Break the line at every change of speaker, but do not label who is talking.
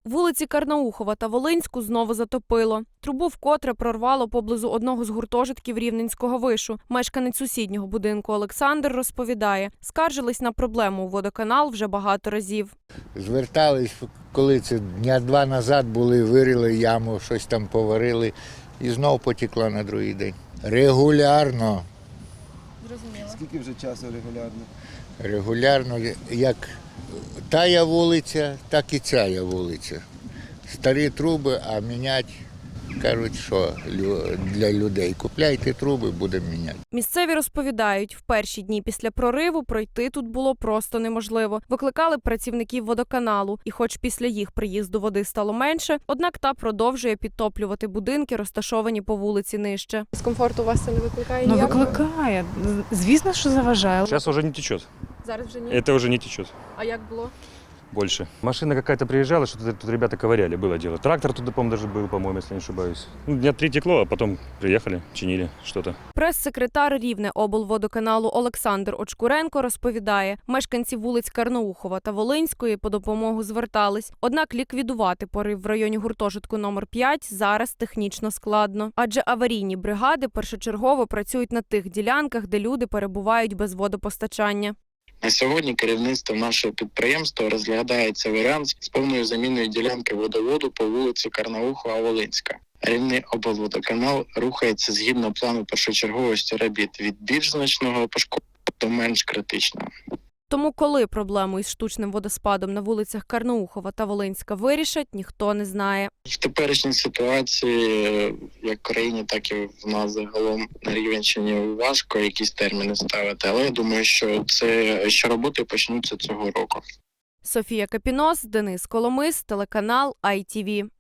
Вулиці Карнаухова та Волинську знову затопило. Трубу вкотре прорвало поблизу одного з гуртожитків Рівненського вишу. Мешканець сусіднього будинку Олександр розповідає, скаржились на проблему у водоканал вже багато разів.
Звертались, коли це дня два назад були, вирили яму, щось там поварили і знов потекла на другий день. Регулярно.
Зрозуміло. Скільки вже часу регулярно?
Регулярно, як тая вулиця, так і ця вулиця. Старі труби, а міняти, кажуть, що для людей. Купляйте труби, будемо міняти.
Місцеві розповідають, в перші дні після прориву пройти тут було просто неможливо. Викликали працівників водоканалу, і хоч після їх приїзду води стало менше, однак та продовжує підтоплювати будинки, розташовані по вулиці нижче.
Дискомфорт у вас це не викликає?
Ну,
ніякого?
викликає. Звісно, що заважає.
Сейчас уже не течет.
Зараз вже ні?
Это уже не течет
А як було?
больше. Машина какая-то приезжала, что-то тут ребята ковыряли, было дело. Трактор туда, по-моему, даже был, по-моему, если не ошибаюсь. Ну, дня 3 текло, а потом приехали, чинили что-то.
Прес-секретар Рівне-облводоканалу Олександр Очкуренко розповідає, мешканці вулиць Карнаухова та Волинської по допомогу звертались. Однак ліквідувати порив в районі гуртожитку номер 5 зараз технічно складно. Адже аварійні бригади першочергово працюють на тих ділянках, де люди перебувають без водопостачання.
На сьогодні керівництво нашого підприємства розглядається варіант з повною заміною ділянки водоводу по вулиці Карнаухова-Волинська. Рівний облводоканал рухається згідно плану першочерговості робіт від більш значного пошкодження до менш критичного.
Тому коли проблему із штучним водоспадом на вулицях Карнаухова та Волинська вирішать, ніхто не знає.
В теперішній ситуації, як в країні, так і в нас загалом на Рівненщині важко якісь терміни ставити, але я думаю, що роботи почнуться цього року.
Софія Капінос, Денис Коломис, телеканал ITV.